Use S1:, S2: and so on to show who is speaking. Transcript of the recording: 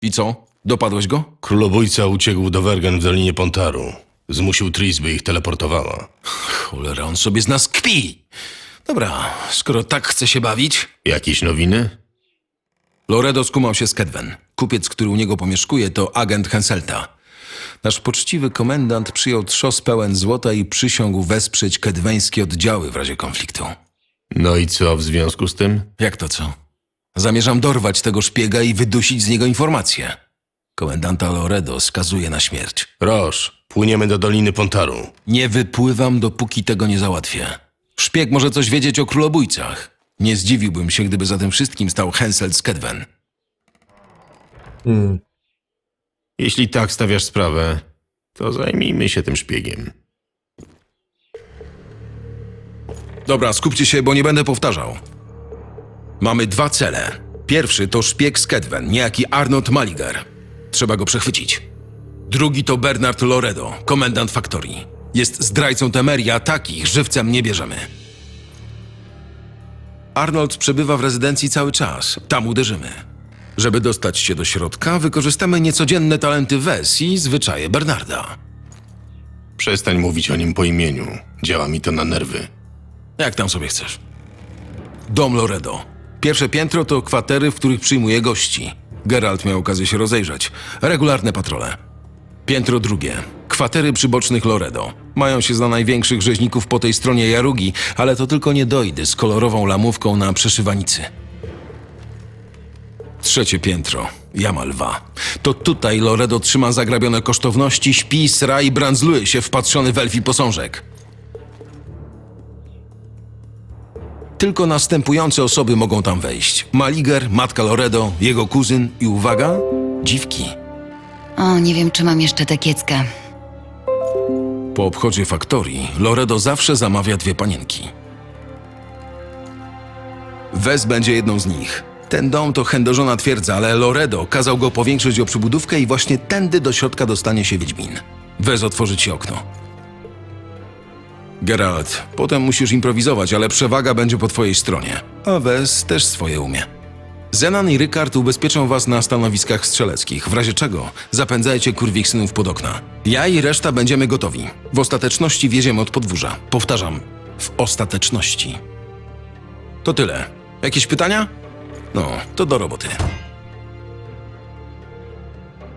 S1: I co? Dopadłeś go?
S2: Królobójca uciekł do Wergen w Dolinie Pontaru. Zmusił Tris, by ich teleportowała.
S1: Cholera, on sobie z nas kpi. Dobra, skoro tak chce się bawić...
S2: Jakieś nowiny?
S1: Loredo skumał się z Kedwen. Kupiec, który u niego pomieszkuje, to agent Henselta. Nasz poczciwy komendant przyjął trzos pełen złota i przysiągł wesprzeć kedweńskie oddziały w razie konfliktu.
S2: No i co w związku z tym?
S1: Jak to co? Zamierzam dorwać tego szpiega i wydusić z niego informacje. Komendanta Loredo skazuje na śmierć.
S2: Roż, płyniemy do Doliny Pontaru.
S1: Nie wypływam, dopóki tego nie załatwię. Szpieg może coś wiedzieć o królobójcach. Nie zdziwiłbym się, gdyby za tym wszystkim stał Henselt z Kedwen.
S2: Jeśli tak stawiasz sprawę, to zajmijmy się tym szpiegiem.
S1: Dobra, skupcie się, bo nie będę powtarzał. Mamy dwa cele. Pierwszy to szpieg z Kedwen, niejaki Arnold Maliger. Trzeba go przechwycić. Drugi to Bernard Loredo, komendant faktorii. Jest zdrajcą Temerii, a takich żywcem nie bierzemy. Arnold przebywa w rezydencji cały czas. Tam uderzymy. Żeby dostać się do środka, wykorzystamy niecodzienne talenty Wes i zwyczaje Bernarda.
S2: Przestań mówić o nim po imieniu. Działa mi to na nerwy.
S1: Jak tam sobie chcesz. Dom Loredo. Pierwsze piętro to kwatery, w których przyjmuje gości. Geralt miał okazję się rozejrzeć. Regularne patrole. Piętro drugie. Kwatery przybocznych Loredo. Mają się za największych rzeźników po tej stronie Jarugi, ale to tylko niedojdy z kolorową lamówką na przeszywanicy. Trzecie piętro. Jama Lwa. To tutaj Loredo trzyma zagrabione kosztowności, śpi, sra i brandzluje się wpatrzony w elfi posążek. Tylko następujące osoby mogą tam wejść. Maliger, matka Loredo, jego kuzyn i uwaga, dziwki.
S3: O, nie wiem, czy mam jeszcze tę kieckę.
S1: Po obchodzie faktorii Loredo zawsze zamawia dwie panienki. Wes będzie jedną z nich. Ten dom to chędożona twierdza, ale Loredo kazał go powiększyć o przybudówkę i właśnie tędy do środka dostanie się Wiedźmin. Wes otworzy ci okno. Geralt, potem musisz improwizować, ale przewaga będzie po twojej stronie. A Wes też swoje umie. Zenan i Rykard ubezpieczą was na stanowiskach strzeleckich, w razie czego zapędzajcie kurwich synów pod okna. Ja i reszta będziemy gotowi. W ostateczności wjedziemy od podwórza. Powtarzam, w ostateczności. To tyle. Jakieś pytania? No, to do roboty.